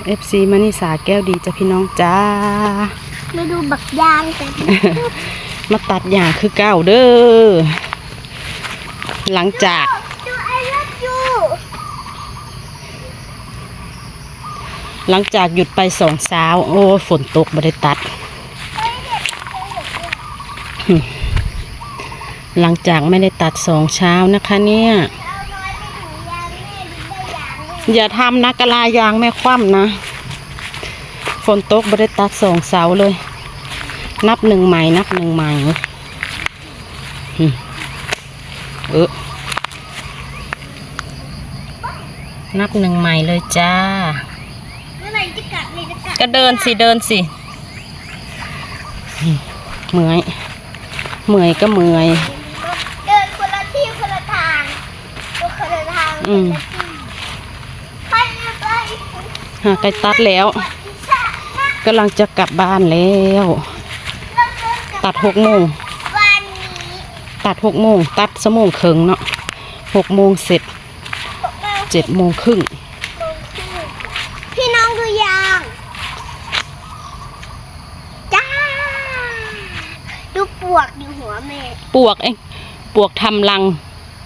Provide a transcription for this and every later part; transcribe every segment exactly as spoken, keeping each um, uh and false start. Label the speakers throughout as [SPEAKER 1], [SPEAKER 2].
[SPEAKER 1] เอฟซีมานิสาแก้วดีจ้ะพี่น้องจ้า
[SPEAKER 2] มาดูบักยางกัน
[SPEAKER 1] มาตัดหญ้าคือเก้าเด้อหลังจากหลังจากหยุดไปสองเช้าโอ้ฝนตกไม่ได้ตัดหลังจากไม่ได้ตัดสองเช้านะคะเนี่ยอย่าทำนะกะลายางแม่คว่ำนะฝนตกไม่ได้ตัดสองเสาเลยนับหนึ่งใหม่นับหนึ่งใหม่เออนับหนึ่งใหม่เลยจ้าก็เดินสิเดินสิเมื่อยเมื่อยก็เมื่อย
[SPEAKER 2] เดินคนละที่คนละทางคนละทาง
[SPEAKER 1] อืมหาใกล้ตัดแล้วกำลังจะกลับบ้านแล้วตัดหกโมงตัดหกโมงตัดสมงครึ่งเนาะหกโมงเสร็จเจ็ดโมงครึ่ง
[SPEAKER 2] พี่น้องดูยางจ้าดูปวกอยู่หัวแม่
[SPEAKER 1] ปวกเองปวกทำรัง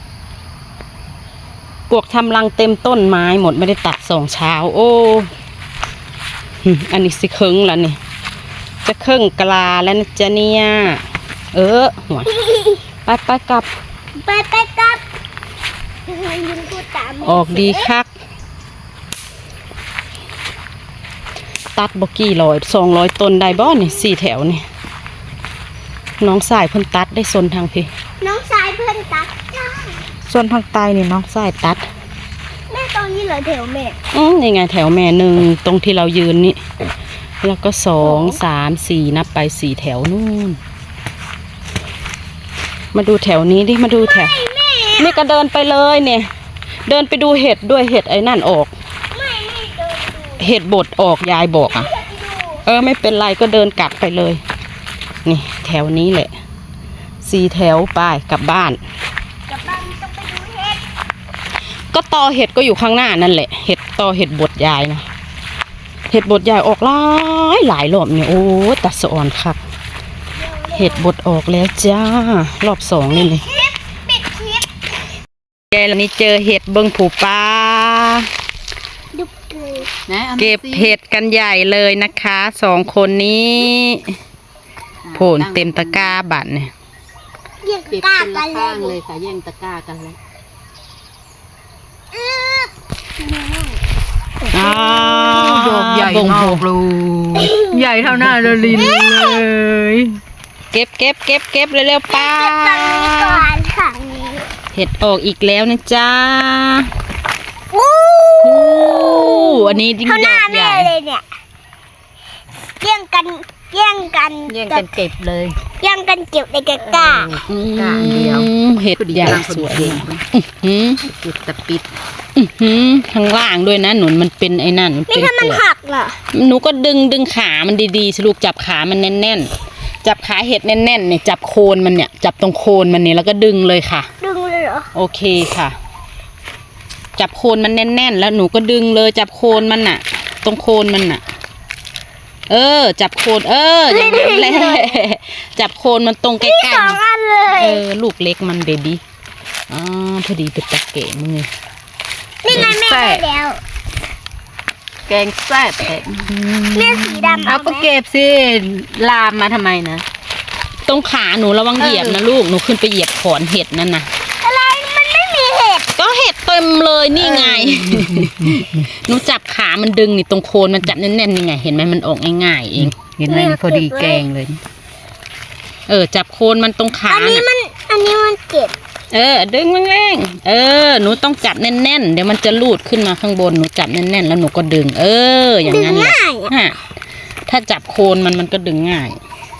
[SPEAKER 1] ปวกทำรังเต็มต้นไม้หมดไม่ได้ตัดสองเช้าโอ้อันนี้สิเคิงแล้วนี่จะเคิงกลาแล้วนะจ๊ะเนี่ยเออหัวไปไปกลับ
[SPEAKER 2] ไปไปกลับ
[SPEAKER 1] ออกดีคักตัดบกี่ร้อยสองร้อยต้นได้บ่เนี่ยสี่แถวนี่น้องสายเพิ่นตัดได้โซนทางพี่
[SPEAKER 2] น้องสายเพิ่นตัดจ้า
[SPEAKER 1] โซนทางใต้นี่น้องสายตัด
[SPEAKER 2] แม่ตอนนี้เหลือแถวแม่
[SPEAKER 1] อืมยังไงแถวแม่หนึ่งตรงที่เรายืนนี่แล้วก็สองสามสี่นับไปสี่แถวนู่นมาดูแถวนี้ดิมาดูแถวนี่ก็เดินไปเลยเนี่ยเดินไปดูเห็ดด้วยเห็ดไอ้นั่นออกเห็ดบดออกยายบอกอ่ะเออไม่เป็นไรก็เดินกลับไปเลยนี่แถวนี้แหละสี่แถวไปกลับบ้าน
[SPEAKER 2] กลับบ้านต้องไปดูเห็ด
[SPEAKER 1] ก็ตอเห็ดก็อยู่ข้างหน้านั่นแหละเห็ดตอเห็ดบดยายนะเห็ดบดยายออกหลายหลายรอบเนี่ยโอ้ตัดสะอ่อนครับเห็ดบดออกแล้วจ้ารอบสองนี่เลยแกเรานี่เจอเห็ดเบิ้งผูปลาเก็บเห็ดกันใหญ่เลยนะคะสองคนนี้โผล่เต็มตะกร้าบัตรเนี่ย
[SPEAKER 2] เก็บตะกร้ากัน
[SPEAKER 1] เลยค่ะแย่งตะกร้ากันเลย
[SPEAKER 3] อ้าวดอกใหญ่มากเลยใหญ่เท่าหน้าเราลินเลย
[SPEAKER 1] เก็บเก็บเก็บเก็บเร็วๆป้าเห็ดออกอีกแล้วนะจ๊ะ
[SPEAKER 2] อู้
[SPEAKER 1] อันนี้ดิ้งดอกใหญ่
[SPEAKER 2] เลยเนี่ยแย่งกันแย่งกัน
[SPEAKER 1] แย่งกันเก็บเลย
[SPEAKER 2] แย่งกันเก็บในกระกา
[SPEAKER 1] กาเดียวเห็ดใหญ่สวยปิดตะปิดข้างล่างด้วยนะหนุนมันเป็นไอ้นั่น
[SPEAKER 2] นี่ถ้ามันหักล่ะ
[SPEAKER 1] หนูก็ดึงดึงขามันดีๆสิลูกจับขามันแน่นๆจับขาเห็ดแน่นๆเนี่ยจับโคนมันเนี่ยจับตรงโคนมันเนี่ยแล้วก็ดึงเลยค่ะ
[SPEAKER 2] ดึงเลยเหรอ
[SPEAKER 1] โอเคค่ะจับโคนมันแน่นๆแล้วหนูก็ดึงเลยจับโคนมันน่ะตรงโคนมันน่ะเออจับโคนเอออย่างนั้นแหละจับโคนมันตรงใกล้ๆ
[SPEAKER 2] สองอันเลย
[SPEAKER 1] เออลูกเล็กมันเบบี้อ๋อพอดีเป็นตะเก๋มึงเลย
[SPEAKER 2] นี่ไงแม่ได้แล้ว
[SPEAKER 1] แกงแซ่บแท้
[SPEAKER 2] แม่สีดำ
[SPEAKER 1] เอาก็เก็บสิลามมาทำไมนะตรงขาหนูระวังเหยียบนะลูกหนูขึ้นไปเหยียบขอนเห็ดนั่นนะ
[SPEAKER 2] อะไรมันไม่มีเห็ด
[SPEAKER 1] ก็เห็ดเต็มเลยนี่ไงหนูจับขามันดึงนี่ตรงโคนมันจับแน่นๆนี่ไงเห็นไหมมันออกง่ายๆเองเห็นไหมพอดีแกงเลยเออจับโคนมันตรงขา
[SPEAKER 2] อันนี้มันอันนี้มันเจ็บ
[SPEAKER 1] เออดึงแรงๆเออหนูต้องจับแน่นๆเดี๋ยวมันจะลูดขึ้นมาข้างบนหนูจับแน่นๆแล้วหนูก็ดึงเอออย่างนั้นแหละฮะถ้าจับโคนมันมันก็ดึงง่าย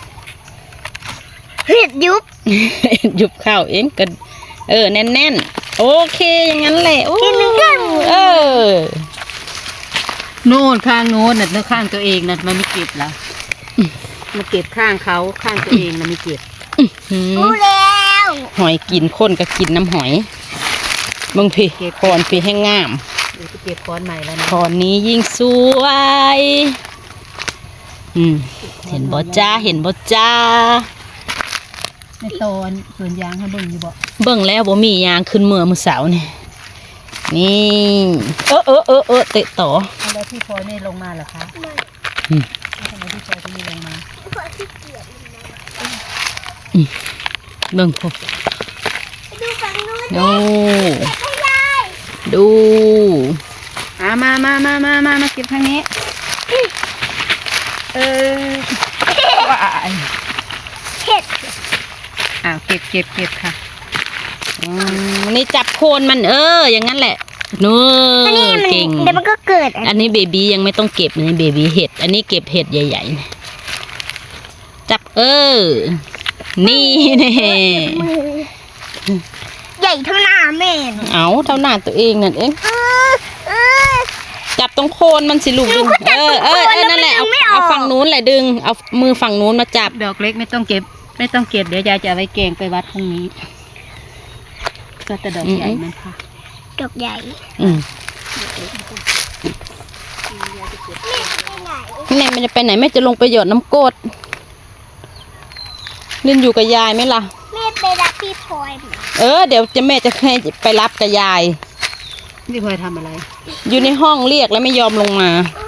[SPEAKER 2] เห็ดยุบ
[SPEAKER 1] ยุบเข้าเองก็เออแน่นๆโอเคอย่างนั้นแหละโอ้เออ
[SPEAKER 3] โน่นข้างโน้นน่ะแล้วข้างตัวเองน่ะมันไม่เก็บแล้ว
[SPEAKER 1] มาเก็บข้างเขาข้างตัวเองนะไม่เก็บ
[SPEAKER 2] รู้แล้ว
[SPEAKER 1] หอยกินข้นก็กินน้ำหอยมึงพี่คอนพี่ให้งาม
[SPEAKER 3] เดี๋ยวจะเก็บค้อนใหม่แล้วนะ
[SPEAKER 1] ตอนนี้ยิ่งสวย อืม เห็นบ่จ้า เห็นบ่จ้า
[SPEAKER 3] ในตอนสวนยางเขาเบิ่งอยู่บ่
[SPEAKER 1] เบิ่งแล้วบ่มียางขึ้นเมื่อมื้อเสาร์นี่ นี่ เออเออเออเออเตะต่อ
[SPEAKER 3] เอาแล้วพี่พลอยไม่ลงมาเหรอคะ
[SPEAKER 2] ไม่
[SPEAKER 1] อืม
[SPEAKER 3] แล้วทำไมพี่พลอยจะไม่ลงมา
[SPEAKER 2] เพราะขี้เกียจมันนะ
[SPEAKER 1] เบิ่งพวก
[SPEAKER 2] ไปดูฝั่งนู้น
[SPEAKER 1] โอ้
[SPEAKER 2] ให้ยาย
[SPEAKER 1] ดู
[SPEAKER 3] อ่ามามามามามามาเก็บทางนี้เออว้าย
[SPEAKER 2] เห็ด
[SPEAKER 3] อ้าวเก็บเก็บเก็บค่ะ
[SPEAKER 1] อืมนี่จับโคนมันเออ อย่างนั้นแหละนู้
[SPEAKER 2] อันนี้มัน
[SPEAKER 1] เก่ง
[SPEAKER 2] เดี๋ยวมันก็เกิดอัน
[SPEAKER 1] อันนี้เบบี้ยังไม่ต้องเก็บนี่เบบี้เห็ด อันนี้เก็บเห็ดใหญ่ๆนะจับเออ นี่แน่
[SPEAKER 2] มือใหญ่เท่าหน้าแม่น
[SPEAKER 1] เอาเท่าหน้าตัวเองนั่นเอง
[SPEAKER 2] เออเออ
[SPEAKER 1] จับตรงโคนมันสิลูกดึง
[SPEAKER 2] หนูก็จับ
[SPEAKER 1] เออเออ
[SPEAKER 2] ตรงโคน
[SPEAKER 1] เออนั่นแหละ
[SPEAKER 2] แล้ว
[SPEAKER 1] เอา
[SPEAKER 2] มันดึงไม่ออก
[SPEAKER 1] เอาฝั่งนู้นแหละดึง เอามือฝั่งนู้นมาจับ
[SPEAKER 3] ดอกเล็กไม่ต้องเก็บ ไม่ต้องเก็บเดี๋ยวยายจะเอาไว้แกงไปวัดพรุ่งนี้ก็แต่ดอกใหญ่มันค่ะ
[SPEAKER 2] ดอกใหญ่
[SPEAKER 1] อืม
[SPEAKER 2] แม่ไปไหน
[SPEAKER 1] แม่มันจะไปไหนแม่จะลงไปหยดน้ำกรดลินอยู่กับยายไหมล่ะ
[SPEAKER 2] แม่ไปรับพี่พลอยมา
[SPEAKER 1] เออเดี๋ยวจะแม่จะให้ไปรับกับยาย
[SPEAKER 3] พี่พลอยทำอะไร
[SPEAKER 1] อยู่ในห้องเรียกแล้วไม่ยอมลงมา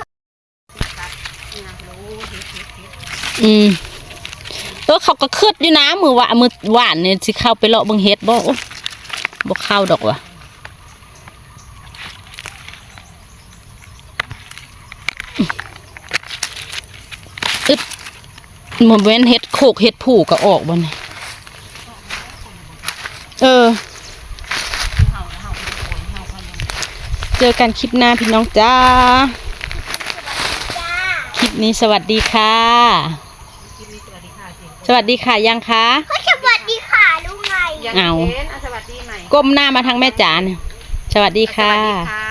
[SPEAKER 1] อืมตัวเขาก็คืดอยู่นะมือว่ามือหวานเนี่ยสิเข้าไปเลาะเบังเฮ็ดบ่โอ๊ะบ่เข้าดอกว่ะอึดหมดเว้นเฮ็ดโขกเฮ็ดผูกก็ออกบ่เนี่ยเออ เจอกันคลิปหน้าพี่น้องจ้า
[SPEAKER 2] จ้า
[SPEAKER 1] คลิปนี้สวัสดีค่ะ สวัสดีค่ะยังคะ
[SPEAKER 2] ก็สวัสดีค่ะลุงไง
[SPEAKER 1] เอา
[SPEAKER 3] สวัสดีใหม่
[SPEAKER 1] ก้มหน้ามาทางแม่จ๋าเนี่ยสวัสดีค่ะ
[SPEAKER 3] สวัสดีค่ะ